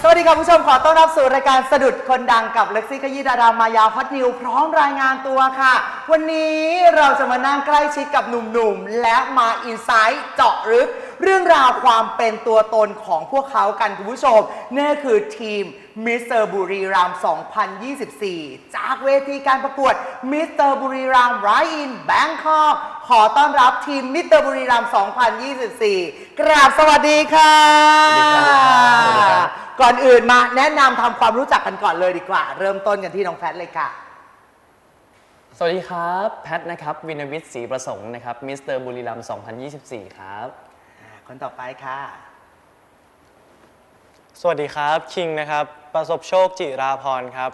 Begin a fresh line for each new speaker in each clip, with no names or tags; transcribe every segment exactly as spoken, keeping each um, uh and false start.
สวัสดีครับผู้ชมขอต้อนรับสู่รายการสะดุดคนดังกับเล็กซี่ขยี้ดารามายาฮอตนิวพร้อมรายงานตัวค่ะวันนี้เราจะมานั่งใกล้ชิดกับหนุ่มๆและมาอินไซต์เจาะลึกเรื่องราวความเป็นตัวตนของพวกเขากันคุณผู้ชมนี่คือทีมมิสเตอร์บุรีรัมย์ สองพันยี่สิบสี่ จากเวทีการประกวดมิสเตอร์บุรีรัมย์ไรอินแบงคอกขอต้อนรับทีมมิสเตอร์บุรีรัมย์ สองพันยี่สิบสี่ กราบสวัสดีค่ะก่อนอื่นมาแนะนำทำความรู้จักกันก่อนเลยดีกว่าเริ่มต้นกันที่น้องแพทเลยค่ะ
สวัสดีครับแพทนะครับวินวิทย์ศรีประสงค์นะครับมิสเตอร์บุรีรัมย์ สองพันยี่สิบสี่ ครับ
คนต่อไปค่ะ
สวัสดีครับคิงนะครับประสบโชคจิราพรครับ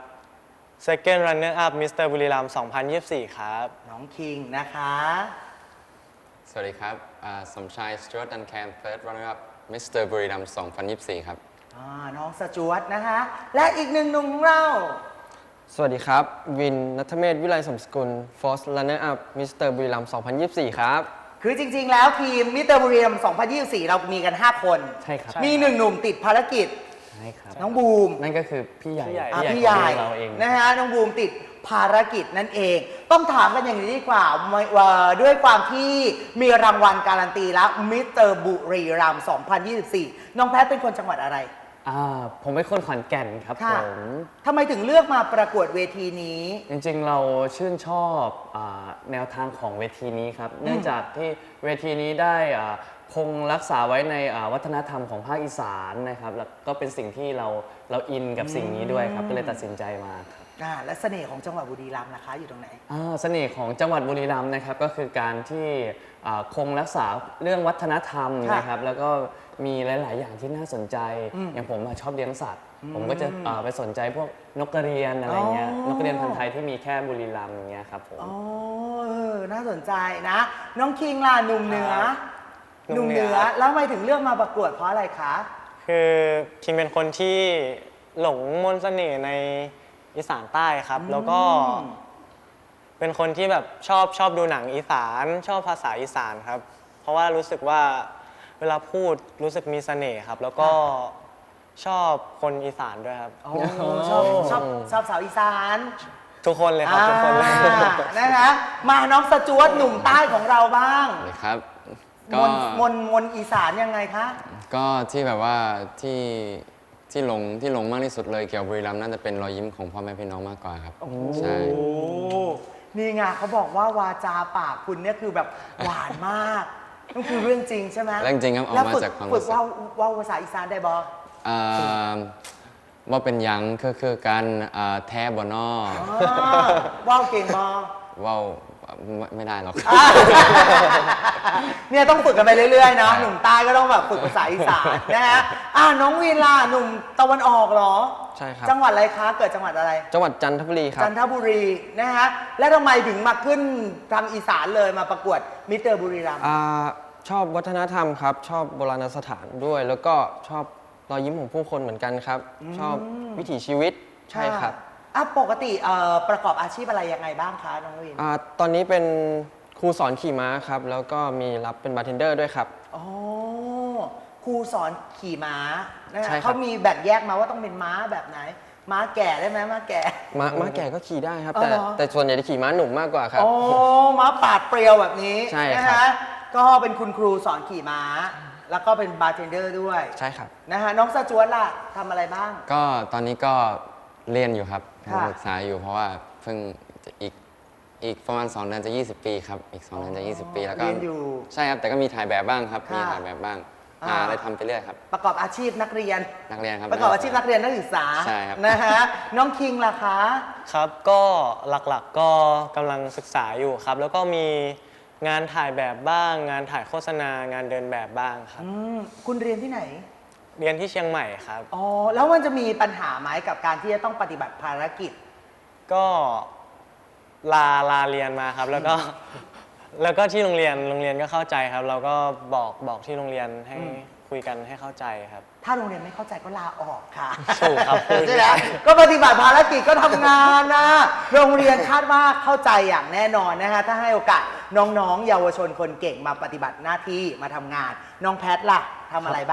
Second Runner Up มิสเตอร์บุรีรัมย์ สองพันยี่สิบสี่ ครับ
น้องคิงนะคะ
สวัสดีครับสมชายสจวตดันแคน Third Runner Up มิสเตอร์บุรีรัมย์ สองพันยี่สิบสี่ ครับ
น้องสจวตนะคะและอีกหนึ่งหนุ่มของเรา
สวัสดีครับวินณัฐเมธวิไลสมสกุล Fourth Runner Up มิสเตอร์บุรีรัมย์ สองพันยี่สิบสี่ ครับ
คือจริงๆแล้วทีมมิสเตอร์บุรีรัมย์ สองพันยี่สิบสี่ เรามีกันห้าคน
ใช่ครับ
มีหนึ่งหนุ่มติดภารกิจ
ใช่ครับ
น้องบูม
นั่นก็คือพี่ใหญ่
พี่ใหญ่
เราเอง
นะฮะน้องบูมติดภารกิจนั่นเองต้องถามกันอย่างนี้ดีกว่าด้วยความที่มีรางวัลการันตีแล้วมิสเตอร์บุรีรัมย์ สองพันยี่สิบสี่ น้องแพทเป็นคนจังหวัดอะไร
อ่าผมเป็นคนขอนแก่นครับผม
ทำไมถึงเลือกมาประกวดเวทีนี้
จริงๆเราชื่นชอบแนวทางของเวทีนี้ครับเนื่องจากที่เวทีนี้ได้คงรักษาไว้ในวัฒนธรรมของภาคอีสานนะครับแล้วก็เป็นสิ่งที่เราเราอินกับสิ่งนี้ด้วยครับก็เลยตัดสินใจมาครับ
และเสน่ห์ของจังหวัดบุรีรัมย์นะคะอยู่ตรงไหน
เสน่ห์ของจังหวัดบุรีรัมย์นะครับก็คือการที่คงรักษาเรื่องวัฒนธรรมนะครับแล้วก็มีหลายๆอย่างที่น่าสนใจอย่างผมชอบเลี้ยงสัตว์ผมก็จะไปสนใจพวกนกกระเรียนอะไรเงี้ยนกกระเรียนพันธุ์ไทยที่มีแค่บุรีรัมย์อย่างเงี้ยครับผม
อ๋อน่าสนใจนะน้องคิงล่ะหนุ่มเหนือหนุ่มเหนือแล้วทำไมถึงเลือกมาประกวดเพราะอะไรคะ
คือคิงเป็นคนที่หลงมนต์เสน่ห์ในอีสานใต้ครับแล้วก็เป็นคนที่แบบชอบชอบดูหนังอีสานชอบภาษาอีสานครับเพราะว่ารู้สึกว่าเวลาพูดรู้สึกมีเสน่ห์ครับแล้วก็ชอบคนอีสานด้วยครับ
ชอบชอบชอบสาวอีสาน
ทุกคนเลยครับทุกคนเลย
นะคะมาน้องสจวตหนุ่มใต้ของเราบ้าง
ครับ
มนมนมนอีสานยังไงคะ
ก็ที่แบบว่าที่ที่หลงที่หลงมากที่สุดเลยเกี่ยวกับบุรีรัมย์น่าจะเป็นรอยยิ้มของพ่อแม่พี่น้องมากกว่าครับใช่
นี่ไงเขาบอกว่าวาจาปากคุณเนี่ยคือแบบหวานมากนั่นคือเรื่องจริงใช่ไหม
เรื่องจริงครับออกมาจากความ
รู้สึกฝึกว่าว่าภาษาอีสานได้บอ
ว่าเป็นยังคือคือการแท้บอนอ
ว่าเก่งบอ
ว่าไม่ได้หรอก
เนี่ยต้องฝึกกันไปเรื่อยๆนะหนุ่มใต้ก็ต้องแบบฝึกภาษาอีสานนะฮะอ่าน้องวีลาหนุ่มตะวันออกเหรอ
ใช่ครับ
จังหวัดอะไรคะเกิดจังหวัดอะไร
จังหวัดจันทบุรีครับ
จันทบุรีนะฮะและทำไมถึงมาขึ้นทางอีสานเลยมาประกวดมิสเตอร์บุรีรัมย์
ชอบวัฒนธรรมครับชอบโบราณสถานด้วยแล้วก็ชอบรอยยิ้มของผู้คนเหมือนกันครับชอบวิถีชีวิตใช่ครับ
อ่ะปกติประกอบอาชีพอะไรยังไงบ้างคะน้องวิน
ตอนนี้เป็นครูสอนขี่ม้าครับแล้วก็มีรับเป็นบาร์เทนเดอร์ด้วยครับ
อ๋อครูสอนขี่ม้าเขามีแบ่งแยกมาว่าต้องเป็นม้าแบบไหนม้าแก่ได้ไหมม้าแก่
ม้าม้าแก่ก็ขี่ได้ครับแต่แต่ส่วนใหญ่จะขี่ม้าหนุ่มมากกว่าครับ
โอ้ม้าปาดเปรียวแบบนี้
ใช่ครับ
ก็เป็นคุณครูสอนขี่ม้าแล้วก็เป็นบาร์เทนเดอร์ด้วย
ใช่ครับ
นะฮะน้องสจวตล่ะทำอะไรบ้าง
ก็ตอนนี้ก็เรียนอยู่ครับศึกษาอยู่เพราะว่าเพิ่งอีกอีกประมาณสองเดือนจะยี่สิบปีครับอีกสองเดือนจะยี่สิบปีแล้วก็
เรียนอยู่
ใช่ครับแต่ก็มีถ่ายแบบบ้างครับมีถ่ายแบบบ้างหาอะไรทำไปเรื่อยครับ
ประกอบอาชีพนักเรียน
นักเรียนครับ
ประกอบอาชีพนักเรียนนักศึกษา
ใช่ครับ
นะฮะน้องคิงล่ะคะ
ครับก็หลักๆก็กำลังศึกษาอยู่ครับแล้วก็มีงานถ่ายแบบบ้างงานถ่ายโฆษณางานเดินแบบบ้างครับ
คุณเรียนที่ไหน
เรียนที่เชียงใหม่ครับ
อ๋อแล้วมันจะมีปัญหาไหมกับการที่จะต้องปฏิบัติภารกิจ
ก็ลาลาเรียนมาครับแล้วก็แล้วก็ที่โรงเรียนโรงเรียนก็เข้าใจครับเราก็บอกบอกที่โรงเรียนให้คุยกันให้เข้าใจครับ
ถ้าโรงเรียนไม่เข้าใจก็ลาออกค่ะ
ถูกครับ
ใช่ไหมก็ปฏิบัติภารกิจก็ทำงานนะโรงเรียนคาดว่าเข้าใจอย่างแน่นอนนะคะถ้าให้โอกาสน้องๆเยาวชนคนเก่งมาปฏิบัติหน้าที่มาทำงานน้องแพทล่ะทำอะไรบ้าง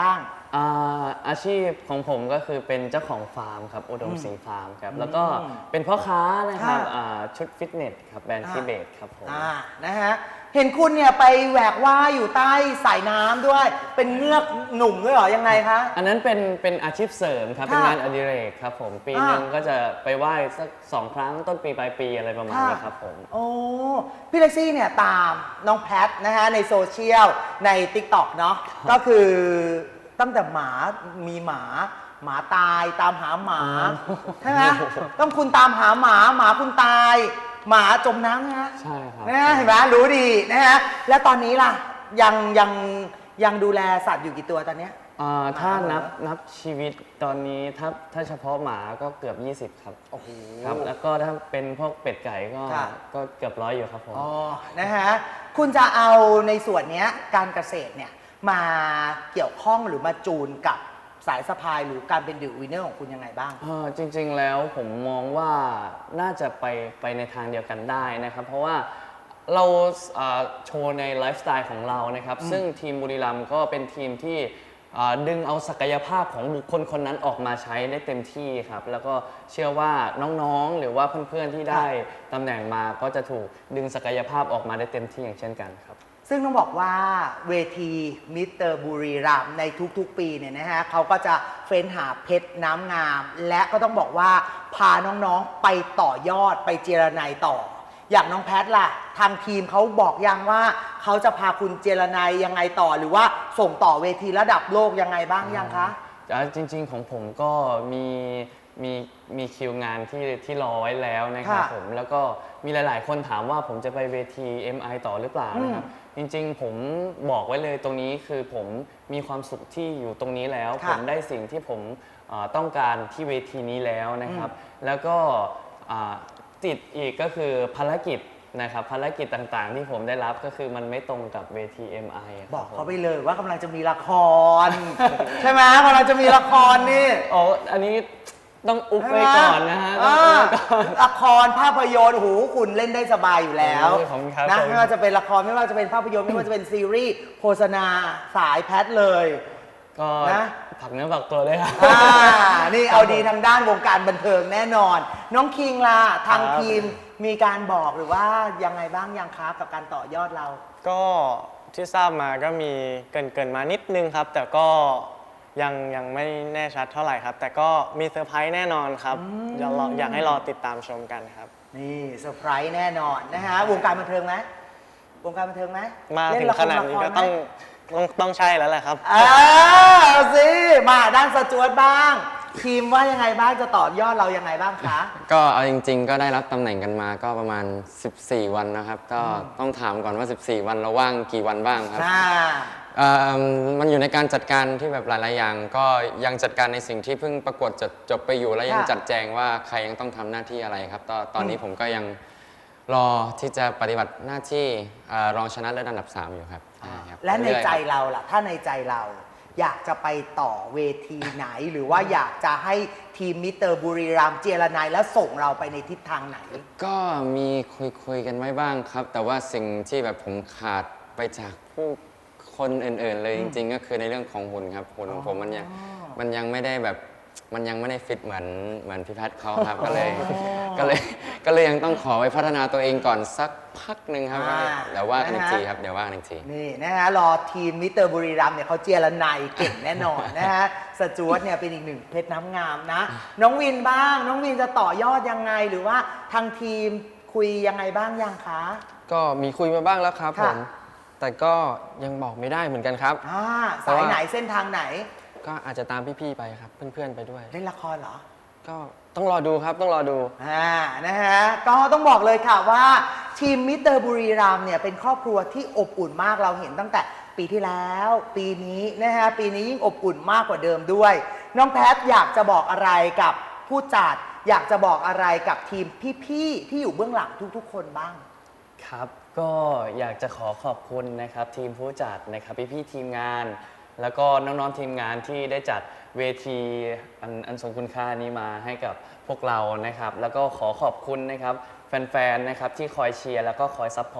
อ่าอาชีพของผมก็คือเป็นเจ้าของฟาร์มครับอุดมสิงห์ฟาร์มครับแล้วก็เป็นพ่อค้านะครับ
ค่ะ
อ่าชุดฟิตเนสครับแบรนด์
อ่า
ทิเบตครับผม
อ่านะฮะเห็นคุณเนี่ยไปแหวกว่ายอยู่ใต้สายน้ำด้วย เป็นเงือกหนุ่มด้วยเหรอยังไงคะ
อันนั้นเป็นเป็นอาชีพเสริมครับ
ค่ะ
เป็นงานอดิเรกครับผมปี
อ่า
หนึ่งก็จะไปไหว้สักสองครั้งต้นปีปลายปีอะไรประมาณนี้ครับผม
โอ้พี่เล็กซี่เนี่ยตามน้องแพทนะฮะในโซเชียลใน ติ๊กต็อก เนาะก็คือตั้งแต่หมามีหมา หมาตายตามหาหมาใช่ไหมต้องคุณตามหาหมาหมาคุณตาย หมาจมน้ำนะฮะ
ใช่ครับ
นะฮะเห็นไหมรู้ดีนะฮะแล้วตอนนี้ล่ะยังยังยังดูแลสัตว์อยู่กี่ตัวตอนเนี้ย
อ่าถ้า
หมาเหรอ
นับนับชีวิตตอนนี้ถ้าถ้าเฉพาะหมาก็เกือบ ยี่สิบ ครับ
โอ้โห
ครับ แล้วก็ถ้าเป็นพวกเป็ดไก่ก็
ค่ะ
ก็เกือบร้อยอยู่ครับผม
อ๋อ นะฮะ คุณจะเอาในส่วนเนี้ยการเกษตรเนี่ยมาเกี่ยวข้องหรือมาจูนกับสายสะพายหรือการเป็นดิววินเนอร์ของคุณยังไงบ้าง
เอ่อจริงๆแล้วผมมองว่าน่าจะไปไปในทางเดียวกันได้นะครับ เพราะว่าเราเอ่อโชว์ในไลฟ์สไตล์ของเรานะครับ ซึ่งทีมบุรีรัมย์ก็เป็นทีมที่เอ่อดึงเอาศักยภาพของบุคคลคนนั้นออกมาใช้ได้เต็มที่ครับ แล้วก็เชื่อว่าน้องๆ หรือว่าเพื่อนๆที่ได้ตำแหน่งมาก็จะถูกดึงศักยภาพออกมาได้เต็มที่อย่างเช่นกันครับ
ซึ่งต้องบอกว่าเวทีมิสเตอร์บุรีรัมย์ในทุกๆ ปีเนี่ยนะฮะเขาก็จะเฟ้นหาเพชรน้ำงาม และก็ต้องบอกว่าพาน้องๆไปต่อยอดไปเจรไนต่อ อย่างน้องแพทล่ะ ทางทีมเขาบอกยังว่าเขาจะพาคุณเจรไนยังไงต่อ หรือว่าส่งต่อเวทีระดับโลกยังไงบ้างยังคะ
อ่าจริงๆของผมก็มีมีมีคิวงานที่ที่รอไว้แล้วนะครับ
ค่ะ
ผมแล้วก็มีหลายๆ คนถามว่าผมจะไปเวที เอ็ม ไอ ต่อหรือเปล่านะครับจริงๆ ผมบอกไว้เลยตรงนี้คือผมมีความสุขที่อยู่ตรงนี้แล้ว
ค่ะ
ผมได้สิ่งที่ผมเอ่อต้องการที่เวทีนี้แล้วนะครับ แล้วก็อ่าติดอีกก็คือภารกิจนะครับภารกิจต่างๆ ที่ผมได้รับก็คือมันไม่ตรงกับเวที เอ็ม ไอ ะครับ
บอกเขา
ผม
ไปเลยว่ากำลังจะมีละคร ใช่ไหมกำลังจะมีละครนี่
อ๋ออันนี้ต้องอุบไว้ก่อนนะฮะต้อง
อ่า
อุบไว้ก่อน
ละครภาพยนตร์โอ้โหคุณเล่นได้สบายอยู่แล้ว
โอ้ยขอบคุณครับ
นะ
ขอบคุณ
ไม่ว่าจะเป็นละครไม่ว่าจะเป็นภาพยนตร์ไม่ว่าจะเป็นซีรีส์โฆษณาสายแพทเลย
ก็
นะ
ผักเนื้อผักตัวเลยครับ
อ่านี่เอาดีทางด้านวงการบันเทิงแน่นอน น้องคิงล่ะทาง
ครับ
ทีมมีการบอกหรือว่ายังไงบ้างยังคะกับการต่อยอดเรา
ก็ที่ทราบมาก็มีเกรินเกินๆมานิดนึงครับ แต่ก็ยังยังไม่แน่ชัดเท่าไหร่ครับ แต่ก็มีเซอร์ไพรส์แน่นอนครับอยากรออยากให้รอติดตามชมกันครับ
นี่เซอร์ไพรส์แน่นอนนะฮะวงการบันเทิงไหมวงการบันเทิงไหม
มา
เล่
ถึง
ละค
ข
ร
นาดนี้
ละค
ก็
รไหม
ต้องต้องต้องใช่แล้วแหละครับ
อ่าเอาสิมาด้านสจวตบ้าง ทีมว่ายังไงบ้างจะต่อยอดเรายังไงบ้างคะ
ก็เอาจริง ๆ ก็ได้รับตำแหน่งกันมาก็ประมาณ สิบสี่ วันนะครับ ก็ต้องถามก่อนว่า สิบสี่ วันเราว่างกี่วันบ้างครับ
อ่า
เอ่อมันอยู่ในการจัดการที่แบบหลาย ๆ อย่าง ก็ยังจัดการในสิ่งที่เพิ่งประกวดจบจบไปอยู่แล้วยัง
ค่ะ
จัดแจงว่าใครยังต้องทำหน้าที่อะไรครับตอนตอนนี้ผมก็ยังรอที่จะปฏิบัติหน้าที่เอ่อรองชนะเลิศอันดับสามอยู่ครับใช่ครับ
และใน
เรื่อยๆ
ใจ
ครับ
เราล่ะ ถ้าในใจเรา อยากจะไปต่อเวทีไหน หรือว่าอยากจะให้ทีมมิสเตอร์บุรีรัมย์เจรนายแล้วส่งเราไปในทิศทางไหน
ก็มีคุยคุยกันไว้บ้างครับ แต่ว่าสิ่งที่แบบผมขาดไปจากผู้คนอื่น ๆ เลยจริง ๆ ก็คือในเรื่องของหุ่นครับหุ่นของผมมันยังมันยังไม่ได้แบบมันยังไม่ได้ฟิตเหมือนเหมือนพี่แพทย์เขาครับ ก็เลยก็เลยก็เลยยังต้องขอไปพัฒนาตัวเองก่อนสักพักหนึ่งครับ
อ่า
เดี๋ยวว่ากันอีก
นะฮะ
ทีครับเดี๋ยวว่ากันอีกที
นี่นะฮะรอทีมมิสเตอร์บุรีรัมย์เนี่ยเขาเจรนายเก่งแน่นอนนะฮะสจวตเนี่ยเป็นอีกหนึ่งเพชรน้ำงามนะ น้องวินบ้าง น้องวินจะต่อยอดยังไง หรือว่าทางทีมคุยยังไงบ้างยังคะ
ก็มีคุยมาบ้างแล้วครับผ
ค่ะ
ม แต่ก็ยังบอกไม่ได้เหมือนกันครับ
อ่า
แต่
สาย
ว่า
ไหนเส้นทางไหน
ก็อาจจะตามพี่ๆไปครับ เพื่อนๆไปด้วย
เล่นละครเหรอ
ก็ต้องรอดูครับต้องรอดู
อ่า นะฮะ ก็ต้องบอกเลยค่ะว่าทีมมิสเตอร์บุรีรัมย์เนี่ยเป็นครอบครัวที่อบอุ่นมากเราเห็นตั้งแต่ปีที่แล้ว ปีนี้นะฮะ ปีนี้ยิ่งอบอุ่นมากกว่าเดิมด้วย น้องแพทอยากจะบอกอะไรกับผู้จัด อยากจะบอกอะไรกับทีมพี่ๆที่อยู่เบื้องหลังทุกๆ คนบ้าง
ครับก็อยากจะขอขอบคุณนะครับทีมผู้จัดนะครับพี่ๆทีมงาน แล้วก็น้องๆทีมงานที่ได้จัดเวทีอันอันทรงคุณค่านี้มาให้กับพวกเรานะครับ แล้วก็ขอขอบคุณนะครับแฟนๆนะครับที่คอยเชียร์แล้วก็คอยซัพพอร์ต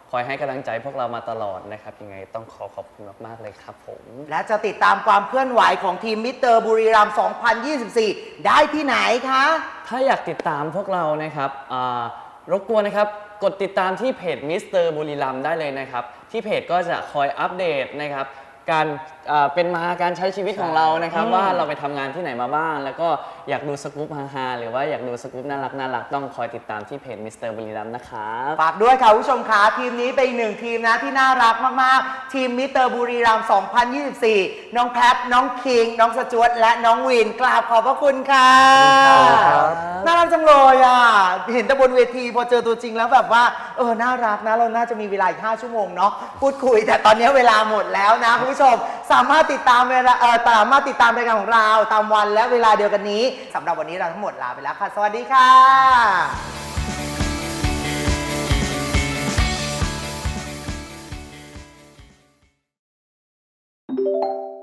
คอยให้กำลังใจพวกเรามาตลอดนะครับยังไงต้องขอขอบคุณมากๆเลยครับผม
และจะติดตามความเคลื่อนไหวของทีมมิสเตอร์บุรีรัมย์ สองพันยี่สิบสี่ ได้ที่ไหนคะ
ถ้าอยากติดตามพวกเรานะครับอ่ารบกวนนะครับกดติดตามที่เพจมิสเตอร์บุรีรัมย์ได้เลยนะครับที่เพจก็จะคอยอัปเดตนะครับการอ่าเป็นมาการใช้ชีวิตของเรานะครับว่าเราไปทำงานที่ไหนมาบ้าง แล้วก็อยากดูสกู๊ปฮาๆหรือว่าอยากดูสกู๊ปน่ารักน่ารักต้องคอยติดตามที่เพจมิสเตอร์บุรีรัมย์นะครับ
ฝากด้วยค่ะคุณผู้ชมคะทีมนี้เป็นอีกหนึ่งทีมนะที่น่ารักมากๆ ทีมมิสเตอร์บุรีรัมย์ สองพันยี่สิบสี่ น้องแพท น้องคิง น้องสจวตและน้องวินกราบขอบพระคุณค่ะน่ารักจังเลยอ่ะเห็นแต่บนเวทีพอเจอตัวจริงแล้วแบบว่าเออน่ารักนะเราน่าจะมีเวลาอีกห้าชั่วโมงเนาะพูดคุยแต่ตอนนี้เวลาหมดแล้วนะคุณผู้ชมสามารถติดตามเวลาเออสามารถติดตามรายการของเราตามวันและเวลาเดียวกันนี้สำหรับวันนี้เราทั้งหมดลาไปแล้วค่ะสวัสดีค่ะ